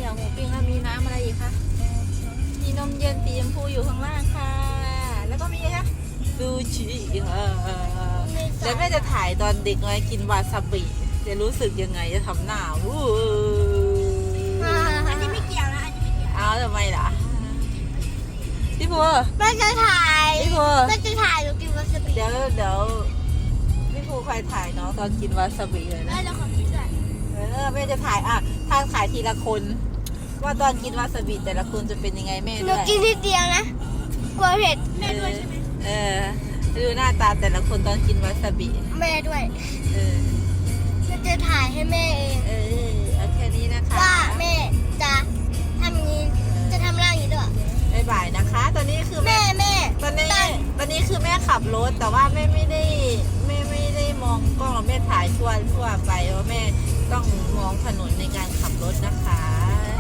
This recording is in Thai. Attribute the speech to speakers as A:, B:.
A: ยวหมูปิ้งแล้วมีน้ำอะไรอีกคะมีนมเย็นสีชมพูอยู่ข้างล่างค่ะ แล้วก็มีคะซูชิค่ะแล้วแม่จะถ่ายตอนเด็กน้อยกินวาซาบิจะรู้สึกยังไงจะทำหน้าวู้
B: อันนี้ไม่เกี่ยวนะอันนี้ไม่เกี่ยว
A: เอาทำไมล่ะพี่พัว
B: แม่จะถ่าย
A: พี่พัว
B: แม่จะถ่ายหนูกินวาซาบิ
A: เดี๋ยวพี่ภูใครถ่ายน้องตอนกินวาซาบิเลย
B: แม่
A: นะ
B: เราขอกินด้วย
A: แม่จะถ่ายทางถ่ายทีละคน ว่าตอนกินวาซาบิแต่ละคนจะเป็นยังไงแม่
B: หนู
A: ด้วย
B: กินทีเดียวนะกลัวเผ็ดแม่ด้วยใช่ไหม
A: ดูหน้าตาแต่ละคนตอนกินวาซาบิ
B: แม่ด้วย
A: เออ
B: แม่จะถ่ายให้แม่เอง
A: เอาแค่นี้นะคะ
B: ว่าแม่จะทำอย่างนี้จะทำร่างอย่างนี้ด้วย
A: บ๊ายบายนะคะ ตอนนี้คือแม่
B: แม่
A: ตอนนี้คือแม่ขับรถแต่ว่าแม่ไม่ได้มองกล้องหรอกแม่ถ่ายทั่วไปเพราะแม่ต้องมองถนนในการขับรถนะคะ